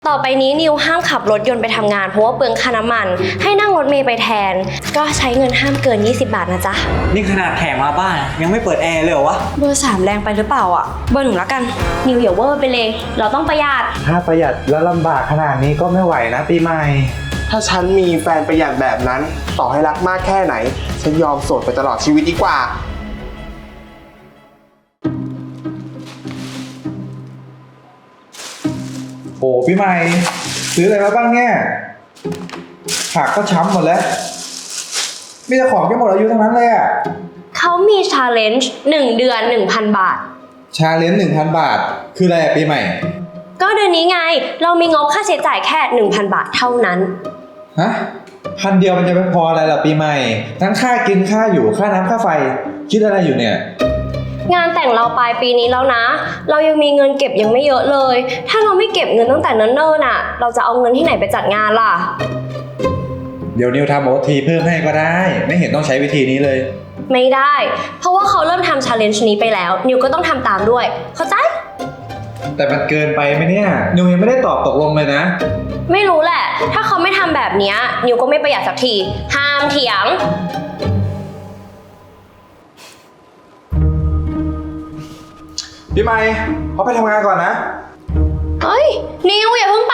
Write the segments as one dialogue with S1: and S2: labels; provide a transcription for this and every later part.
S1: ต่อไปนี้นิวห้ามขับรถยนต์ไปทำงานเพราะว่าเปลืองค่าน้ำมันให้นั่งรถเมล์ไปแทนก็ใช้เงินห้ามเกิน20 บาทนะจ๊ะ
S2: นี่ขนาดแขกมาบ้านยังไม่เปิดแอร์เลยเหรอวะ
S1: เบอร์ 3แรงไปหรือเปล่าอ่ะเบอร์ 1แล้วกันนิวอย่าเวอร์ไปเลยเราต้องประหยัด
S3: ถ้าประหยัดแล้วลำบากขนาดนี้ก็ไม่ไหวนะปีใหม่
S4: ถ้าฉันมีแฟนประหยัดแบบนั้นต่อให้รักมากแค่ไหนฉันยอมโสดไปตลอดชีวิตดีกว่า
S3: โอ้พี่ใหม่ซื้ออะไรมาบ้างเนี่ยผักก็ช้ำหมดแล้วมีแต่ของที่หมดอายุทั้งนั้นเลยอ่ะ
S1: เขามี challenge 1 เดือน 1,000 บาท
S3: ชาเลนจ์ 1,000 บาทคืออะไรปีใหม่
S1: ก็เดือนนี้ไงเรามีงบค่าใช้จ่ายแค่ 1,000 บาทเท่านั้น
S3: ฮะ1,000 เดียวมันจะไม่พออะไรล่ะปีใหม่ทั้งค่ากินค่าอยู่ค่าน้ำค่าไฟคิดอะไรอยู่เนี่ย
S1: งานแต่งเราปลายปีนี้แล้วนะเรายังมีเงินเก็บยังไม่เยอะเลยถ้าเราไม่เก็บเงินตั้งแต่เนิ่นๆน่ะเราจะเอาเงินที่ไหนไปจัดงานล่ะ
S3: เดี๋ยวนิวทำโอทีเพิ่มให้ก็ได้ไม่เห็นต้องใช้วิธีนี้เลย
S1: ไม่ได้เพราะว่าเขาเริ่มทำ challenge นี้ไปแล้วนิวก็ต้องทำตามด้วยเข้าใจ
S3: แต่มันเกินไปไหมเนี่ยนิวยังไม่ได้ตอบตกลงเลยนะ
S1: ไม่รู้แหละถ้าเขาไม่ทำแบบนี้นิวก็ไม่ประหยัดสักทีห้ามเถียง
S3: พี่ใหม่เขาไปทำงานก่อนนะ
S1: เฮ้ยนิวอย่าเพิ่งไป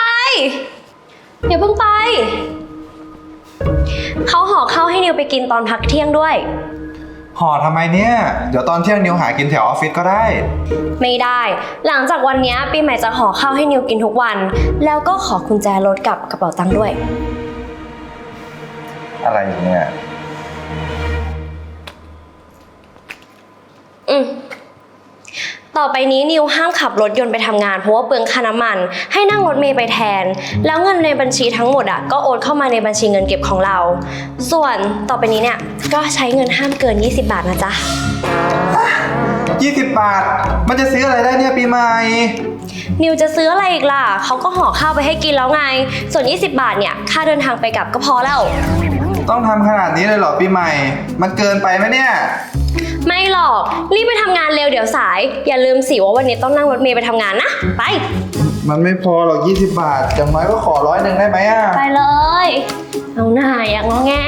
S1: เขาห่อข้าวให้นิวไปกินตอนพักเที่ยงด้วย
S3: ห่อทำไมเนี่ยเดี๋ยวตอนเที่ยงนิวหากินแถวออฟฟิศก็ได้
S1: ไม่ได้หลังจากวันนี้ปีใหม่จะห่อข้าวให้นิวกินทุกวันแล้วก็ขอกุญแจรถกับกระเป๋าตังค์ด้วย
S3: อะไรเนี่ย
S1: ต่อไปนี้นิวห้ามขับรถยนต์ไปทำงานเพราะว่าเปลืองค่าน้ำมันให้นั่งรถเมล์ไปแทนแล้วเงินในบัญชีทั้งหมดก็โอนเข้ามาในบัญชีเงินเก็บของเราส่วนต่อไปนี้เนี่ยก็ใช้เงินห้ามเกิน20 บาทนะจ๊ะ
S3: 20 บาทมันจะซื้ออะไรได้เนี่ยปีใหม่
S1: นิวจะซื้ออะไรอีกล่ะเขาก็ห่อข้าวไปให้กินแล้วไงส่วน20 บาทเนี่ยค่าเดินทางไปกลับก็พอแล้ว
S3: ต้องทำขนาดนี้เลยเหรอปีใหม่มันเกินไปไหมเนี่ย
S1: ไม่หรอกรีบไปทำงานเร็วเดี๋ยวสายอย่าลืมสิว่าวันนี้ต้องนั่งรถเมล์ไปทำงานนะไป
S3: มันไม่พอหรอก20 บาทอย่างน้อยก็ขอ100ได้ไหม
S1: ไปเลยเอาหน้าอย่างงอแง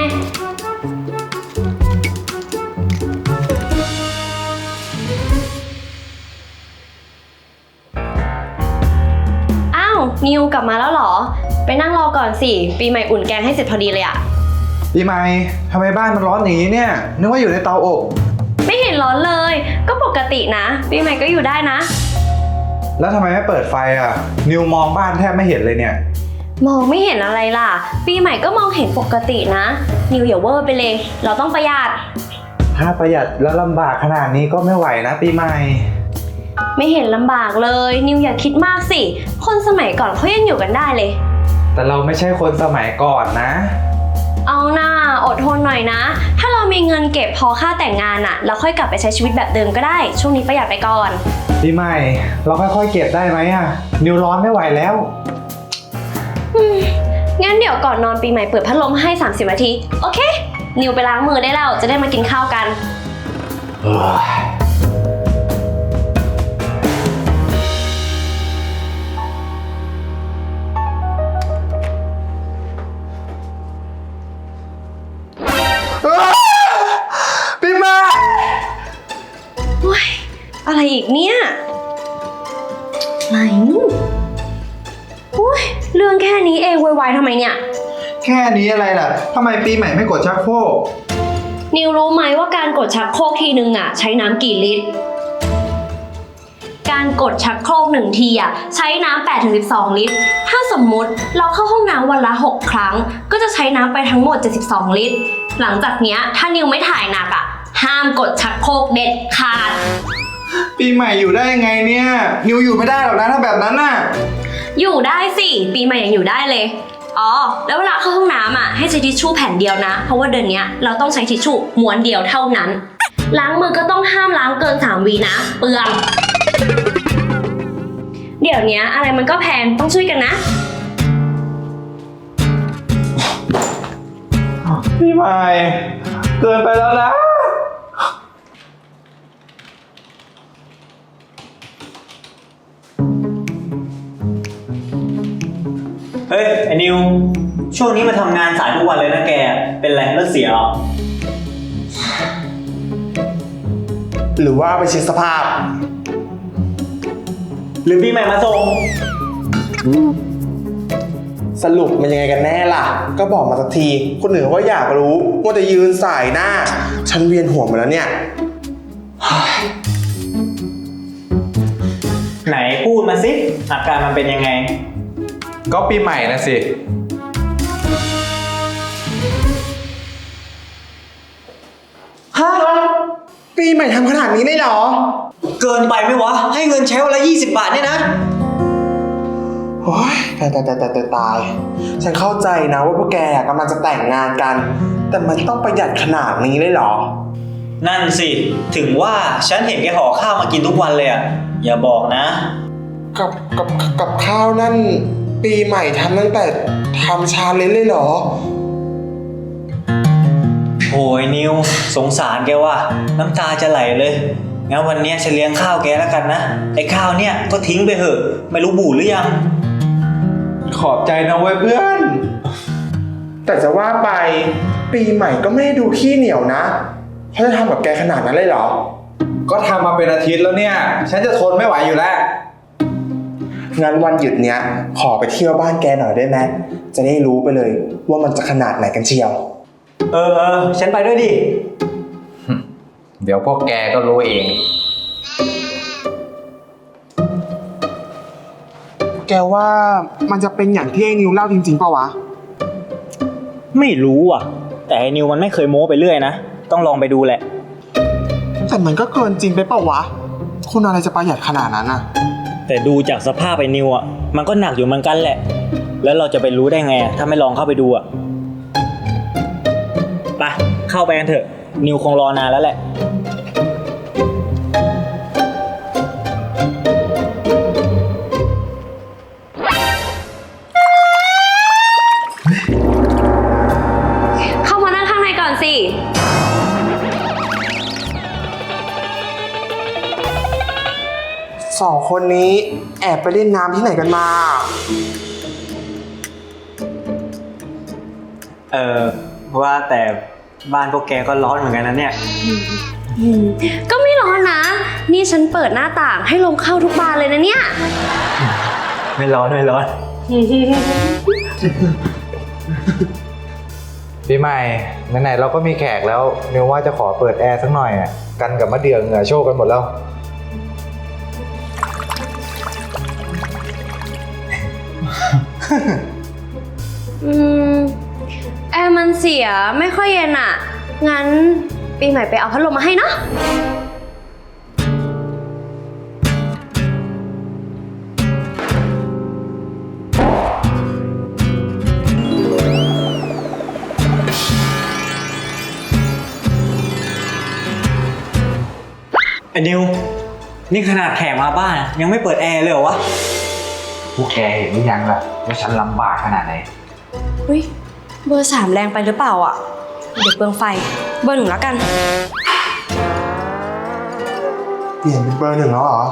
S1: อ้าวนิวกลับมาแล้วเหรอไปนั่งรอก่อนสิปีใหม่อุ่นแกงให้เสร็จพอดีเลยอะ
S3: ปีใหม่ทำไมบ้านมันร้อนอย่างนี้เนี่ยนึกว่าอยู่ในเตาอบ
S1: ไม่เห็นร้อนเลยก็ปกตินะปีใหม่ก็อยู่ได้นะ
S3: แล้วทำไมไม่เปิดไฟอ่ะนิวมองบ้านแทบไม่เห็นเลยเนี่ย
S1: มองไม่เห็นอะไรล่ะปีใหม่ก็มองเห็นปกตินะนิวอย่าเวอร์ไปเลยเราต้องประหยัด
S3: ถ้าประหยัดแล้วลำบากขนาดนี้ก็ไม่ไหวนะปีใหม่
S1: ไม่เห็นลำบากเลยนิวอย่าคิดมากสิคนสมัยก่อนเขายังอยู่กันได้เลย
S3: แต่เราไม่ใช่คนสมัยก่อนนะ
S1: เอาหน้าอดทนหน่อยนะถ้าเรามีเงินเก็บพอค่าแต่งงานเราค่อยกลับไปใช้ชีวิตแบบเดิมก็ได้ช่วงนี้ประหยัดไปก่อน
S3: ปีใหม่เราค่อยๆเก็บได้ไหมนิวร้อนไม่ไหวแล้ว
S1: งั้นเดี๋ยวก่อนนอนปีใหม่เปิดพัดลมให้30 นาทีโอเคนิวไปล้างมือได้แล้วจะได้มากินข้าวกัน
S3: ปีใหม่
S1: อะไรอีกเนี่ยไหนเรื่องแค่นี้เองโวยวายทำไมเนี่ย
S3: แค่นี้อะไรล่ะทำไมปีใหม่ไม่กดชักโครก
S1: นิวรู้ไหมว่าการกดชักโครกทีนึงใช้น้ำกี่ลิตรการกดชักโครก1ทีใช้น้ำ8 ถึง 12 ลิตรถ้าสมมุติเราเข้าห้องน้ำวันละ6 ครั้งก็จะใช้น้ำไปทั้งหมด72 ลิตรหลังจากนี้ถ้านิวไม่ถ่ายหนักห้ามกดชักโครกเด็ดขาด
S3: ปีใหม่อยู่ได้ยังไงเนี่ยนิวอยู่ไม่ได้หรอกนะถ้าแบบนั้น
S1: อยู่ได้สิปีใหม่ยังอยู่ได้เลยอ๋อแล้วเวลาเข้าห้องน้ำให้ใช้ทิชชู่แผ่นเดียวนะเพราะว่าเดือนนี้เราต้องใช้ทิชชู่ม้วนเดียวเท่านั้นล้างมือก็ต้องห้ามล้างเกิน3 วินะเปลืองเดี๋ยวนี้อะไรมันก็แพงต้องช่วยกันนะ
S3: พี่ใหม่เกินไปแล้วนะ
S2: เฮ้ย ไอ้นิว ช่วงนี้มาทำงานสายทุกวันเลยนะแก เป็นไรรถเสียเหรอ
S4: หรือว่าไปเช็คสภาพ
S2: หรือพี่ใหม่มาส่ง
S4: สรุปมันยังไงกันแน่ล่ะ ก็บอกมาสักที คนอื่นก็อยากรู้ว่าจะยืนสายหน้า ฉันเวียนหัวหมดแล้วเนี่ย
S2: ไหนพูดมาสิ อาการมันเป็นยังไง
S3: ก็ปีใหม่นะสิ
S4: ฮะ ปีใหม่ทำขนาดนี้ได้เหรอ
S2: เกินไปไหมวะ ให้เงินใช้วันละ20 บาทเนี่ยนะ
S4: โอ้ยตาย ฉันเข้าใจนะว่าพวกแกกำลังจะแต่งงานกัน แต่มันต้องประหยัดขนาดนี้เลยเหรอ
S2: นั่นสิ ถึงว่าฉันเห็นแกห่อข้าวมากินทุกวันเลยอะอย่าบอกนะ
S4: กับข้าวนั่น ปีใหม่ทำตั้งแต่ทำชาเลนจ์เลยเหรอ
S2: โอ้ยนิว สงสารแกว่ะ น้ำตาจะไหลเลย งั้นวันเนี้ยฉันเลี้ยงข้าวแกแล้วกันนะ ไอ้ข้าวเนี่ยก็ทิ้งไปเถอะ ไม่รู้บูดหรือยัง
S3: ขอบใจนะเว้ยเพื่อน
S4: แต่จะว่าไปปีใหม่ก็ไม่ได้ดูขี้เหนียวนะเขาจะทำกับแกขนาดนั้นเลยเหรอ
S3: ก็ทำมาเป็นอาทิตย์แล้วเนี่ย ฉันจะทนไม่ไหวอยู่แล้ว
S4: งั้นวันหยุดเนี้ยขอไปเที่ยวบ้านแกหน่อยได้ไหมจะได้รู้ไปเลยว่ามันจะขนาดไหนกันเชียว
S2: เออ ฉันไปด้วยดิ
S3: เดี๋ยวพวกแกก็รู้เอง
S4: แกว่ามันจะเป็นอย่างที่ไอ้นิวเล่าจริงๆป่าวะ
S2: ไม่รู้อ่ะ แต่ไอ้นิวมันไม่เคยโม้ไปเรื่อยนะ ต้องลองไปดูแหละ
S4: แต่มันก็เกินจริงไปเปล่าวะคนอะไรจะประหยัดขนาดนั้นอะ
S2: แต่ดูจากสภาพไอ้นิวอ่ะ มันก็หนักอยู่เหมือนกันแหละ แล้วเราจะไปรู้ได้ไงถ้าไม่ลองเข้าไปดูอ่ะ ไป เข้าไปกันเถอะ นิวคงรอนานแล้วแหละ
S1: เข้ามานั่งข้างในก่อนสิ
S4: สองคนนี้แอบไปเล่นน้ำที่ไหนกันมา
S2: ว่าแต่บ้านพวกแกก็ร้อนเหมือนกันนะเนี่ย
S1: ก็ไม่ร้อนนะ นี่ฉันเปิดหน้าต่างให้ลมเข้าทุกบานเลยนะเนี่ย
S2: ไม่ร้อนไม่ร้อน
S3: ปีใหม่ไหนๆเราก็มีแขกแล้วนิวว่าจะขอเปิดแอร์สักหน่อยอ่ะกันกับมะเดื่อเหงื่อโชกกันหมดแล้ว
S1: อืม แอร์มันเสียไม่ค่อยเย็นอ่ะ งั้นปีใหม่ไปเอาพัดลมมาให้เนาะ
S2: ไอ้นิว นี่ขนาดแขกมาบ้านยังไม่เปิดแอร์เลยเหรอวะ
S3: พวกแกเห็นหรือยังล่ะว่าฉันลำบากขนาดไหน
S1: อุ้ยเบอร์ 3แรงไปหรือเปล่าอ่ะ เดี๋ยวเปลืองไฟ เบอร์ 1แล้วกัน
S4: เปลี่ยนเป็นเบอร์ 1แล้วเหรอ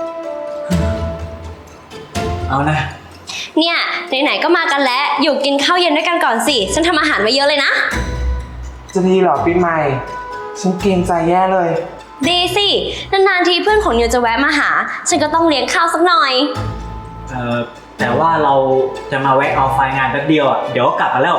S2: เอานะ
S1: เนี่ยไหนๆก็มากันแล้ว อยู่กินข้าวเย็นด้วยกันก่อนสิ ฉันทำอาหารไว้เยอะเลยนะ
S4: จะดีเหรอปีใหม่ ฉันเกรงใจแย่เลย
S1: ดีสิ นานๆทีเพื่อนของนิวจะแวะมาหา ฉันก็ต้องเลี้ยงข้าวสักหน่อย
S2: แต่ว่าเราจะมาแวะเอาไฟล์งานแป๊บเดียวอ่ะ เดี๋ยวก็กลับมาแล้ว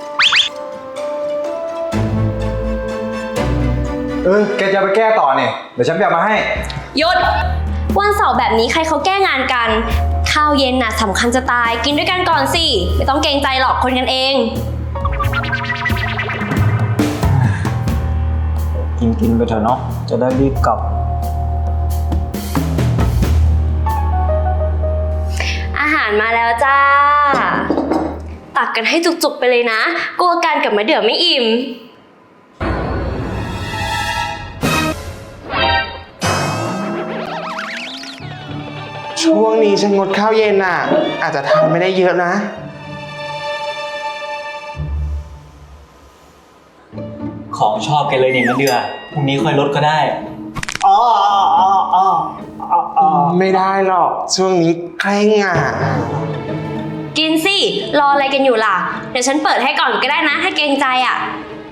S3: แกจะไปแก้ต่อเนี่ยเดี๋ยวฉันไปเอามาให้
S1: หยุด วันเสาร์แบบนี้ใครเขาแก้งานกัน ข้าวเย็นน่ะสำคัญจะตาย กินด้วยกันก่อนสิ ไม่ต้องเกรงใจหรอกคนกันเอง
S2: กินไปเถอะเนาะ จะได้รีบกลับ
S1: อาหารมาแล้วจ้า ตักกันให้จุกๆไปเลยนะ กลัวกันกับมะเดื่อไม่อิ่ม
S4: ช่วงนี้ฉันงดข้าวเย็นอ่ะ อาจจะทานไม่ได้เยอะนะ
S2: ของชอบแกเลยเนี่ยมะเดือพรุ่งนี้ค่อยลดก็ได้
S4: ไม่ได้หรอก ช่วงนี้เคร่งอ่ะ
S1: กินสิ รออะไรกันอยู่ล่ะ เดี๋ยวฉันเปิดให้ก่อนก็ได้นะ ถ้าเกรงใจอ่ะ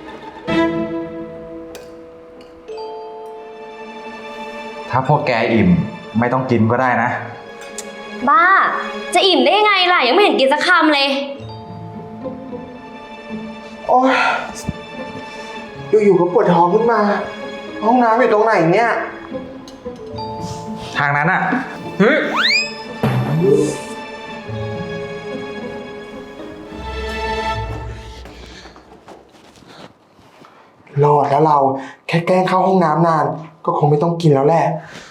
S3: ถ้าพวกแกอิ่มไม่ต้องกินก็ได้นะ
S1: บ้า จะอิ่มได้ยังไงล่ะ ยังไม่เห็นกินสักคำเลย
S4: โอ้ยอยู่ๆก็ปวดท้องขึ้นมา ห้องน้ำอยู่ตรงไหนเนี่ย
S3: ทางนั้นอ่ะ
S4: รอดแล้วเราแค่แกล้งเข้าห้องน้ำนาน ก็คงไม่ต้องกินแล้วแหละ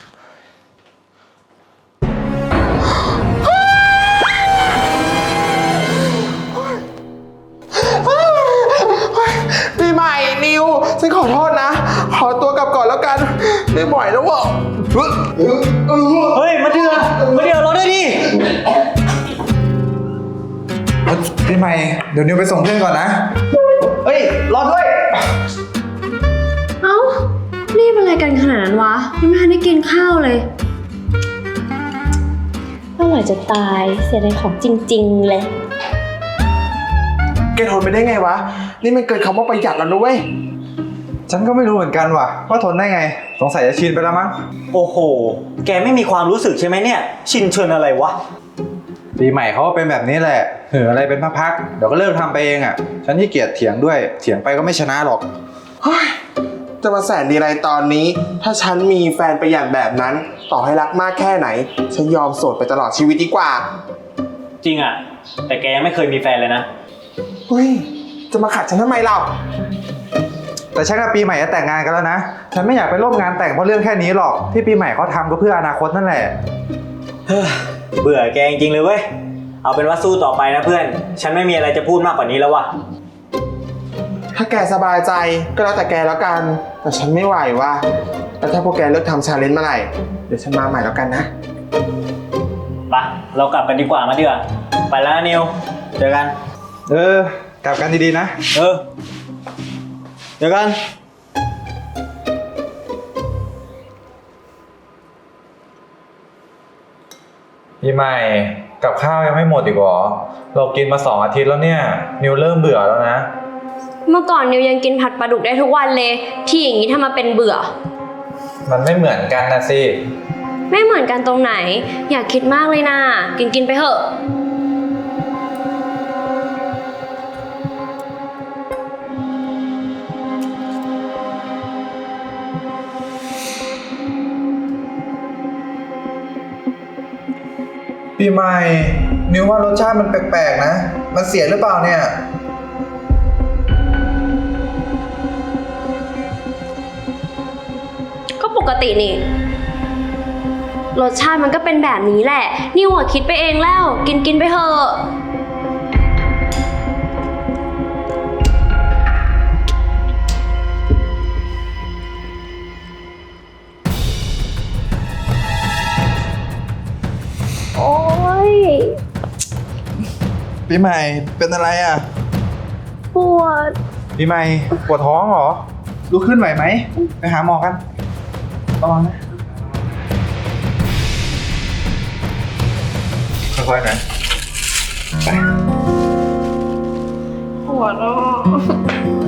S4: ปีใหม่นิวฉันขอโทษนะ ขอตัวกลับก่อนแล้วกัน ไม่ไหวแล้วว่ะ
S2: เฮ้ยมาเดือรอด้วยดิ
S3: พี่ใหม่เดี๋ยวนิวไปส่งเพื่อนก่อนนะ
S2: เฮ้ยรอด้วย
S1: เอ้า รีบอะไรกันขนาดนั้นวะ ยังไม่ทันได้กินข้าวเลยอร่อยจะตาย เสียดายของจริงๆเลย
S4: แกทนไปได้ไงวะ นี่มันเกินคำว่าประหยัดแล้วนะเว้ย
S3: ฉันก็ไม่รู้เหมือนกันว่ะว่าทนได้ไง สงสัยจะชินไปแล้วมั้ง
S2: โอ้โห แกไม่มีความรู้สึกใช่ไหมเนี่ย ชินเชิญอะไรวะ
S3: ปีใหม่เขาก็เป็นแบบนี้แหละเหืออะไรเป็นพักๆเดี๋ยวก็เลิกทำไปเองอ่ะ ฉันขี้เกียจเถียงด้วย เถียงไปก็ไม่ชนะหรอก
S4: เฮ้ย จะมาแสนดีอะไรตอนนี้ ถ้าฉันมีแฟนประหยัดแบบนั้น ต่อให้รักมากแค่ไหน ฉันยอมโสดไปตลอดชีวิตดีกว่า
S2: จริงอ่ะ แต่แกยังไม่เคยมีแฟนเลยนะ
S4: เฮ้ย จะมาขัดฉันทำไมเรา
S3: แต่ฉันกับปีใหม่จะแต่งงานกันแล้วนะ ฉันไม่อยากไปร่วมงานแต่งเพราะเรื่องแค่นี้หรอก ที่ปีใหม่เขาทำก็เพื่ออนาคตนั่นแหละ
S2: เฮ้ยเบื่อแกจริงๆเลยเว้ย เอาเป็นว่าสู้ต่อไปนะเพื่อน ฉันไม่มีอะไรจะพูดมากกว่านี้แล้วว่ะ
S4: ถ้าแกสบายใจก็แล้วแต่แกแล้วกัน แต่ฉันไม่ไหวว่ะแล้วถ้าพวกแกเลิกทำชาเลนจ์เมื่อไหร่ เดี๋ยวฉันมาใหม่แล้วกันนะ
S2: ไปเรากลับกันดีกว่ามาเดือไปแล้วนะนิว เจอกัน
S3: กลับกันดีๆนะ
S2: เจอกัน
S3: พี่ใหม่กับข้าวยังไม่หมดอีกเหรอ เรากินมา2 อาทิตย์แล้วเนี่ย นิวเริ่มเบื่อแล้วนะ
S1: เมื่อก่อนนิวยังกินผัดปลาดุกได้ทุกวันเลย ที่อย่างนี้ถ้ามาเป็นเบื่อ
S3: มันไม่เหมือนกันนะสิ
S1: ไม่เหมือนกันตรงไหน อยากคิดมากเลยนะ กินไปเถอะ
S3: พี่ใหม่ นิวว่ารสชาติมันแปลกๆนะ มันเสียหรือเปล่าเนี่ย
S1: ก็ปกตินี่ รสชาติมันก็เป็นแบบนี้แหละ นิวอะคิดไปเองแล้ว กินไปเถอะ โอ๊ย
S3: พี่ใหม่เป็นอะไรอ่ะ
S1: ปวด
S3: พี่ใหม่ปวดท้องเหรอ ลุกขึ้นไหวไหม ไปหาหมอกันระวังนะค่อยๆนะไป
S1: ปวดอ่ะ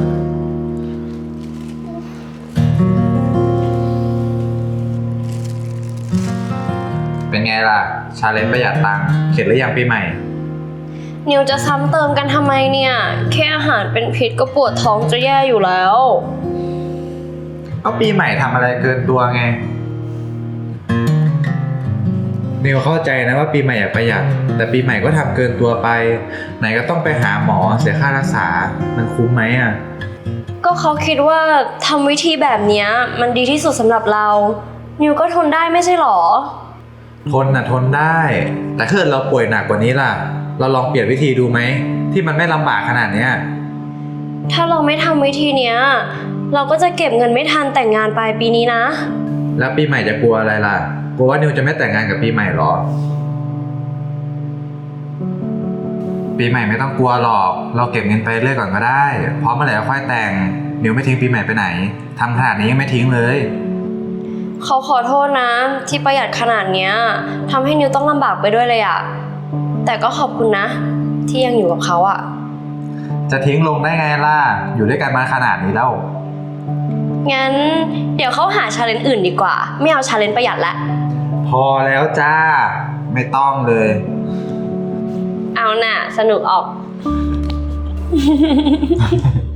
S3: เป็นไงล่ะ ชาเลนจ์ประหยัดตังค์เข็ดหรือยังปีใหม่
S1: นิวจะซ้ำเติมกันทำไมเนี่ย แค่อาหารเป็นพิษก็ปวดท้องจะแย่อยู่แล้ว
S3: ก็ปีใหม่ทำอะไรเกินตัวไง นิวเข้าใจนะว่าปีใหม่อยากประหยัด แต่ปีใหม่ก็ทำเกินตัวไป ไหนก็ต้องไปหาหมอเสียค่ารักษา มันคุ้มไหมอ่ะ
S1: ก็เขาคิดว่าทำวิธีแบบเนี้ยมันดีที่สุดสำหรับเรา นิวก็ทนได้ไม่ใช่หรอ
S3: ทนน่ะทนได้ แต่ถ้าเกิดเราป่วยหนักกว่านี้ล่ะ เราลองเปลี่ยนวิธีดูไหม ที่มันไม่ลำบากขนาดเนี้ย
S1: ถ้าเราไม่ทำวิธีเนี้ย เราก็จะเก็บเงินไม่ทันแต่งงานปลายปีนี้นะ
S3: แล้วปีใหม่จะกลัวอะไรล่ะ กลัวว่านิวจะไม่แต่งงานกับปีใหม่หรอ ปีใหม่ไม่ต้องกลัวหรอก เราเก็บเงินไปเรื่อยก่อนก็ได้ พร้อมเมื่อไหร่ก็ค่อยแต่ง นิวไม่ทิ้งปีใหม่ไปไหน ทำขนาดนี้ยังไม่ทิ้งเลย
S1: เขาขอโทษนะ ที่ประหยัดขนาดเนี้ยทำให้นิวต้องลำบากไปด้วยเลยอะแต่ก็ขอบคุณนะที่ยังอยู่กับเขาอะ
S3: จะทิ้งลงได้ไงล่ะ อยู่ด้วยกันมาขนาดนี้แล้ว
S1: งั้นเดี๋ยวเขาหาชาเลนจ์อื่นดีกว่า ไม่เอาชาเลนจ์ประหยัดละ
S3: พอแล้วจ้า ไม่ต้องเลย
S1: เอาน่ะ สนุกออก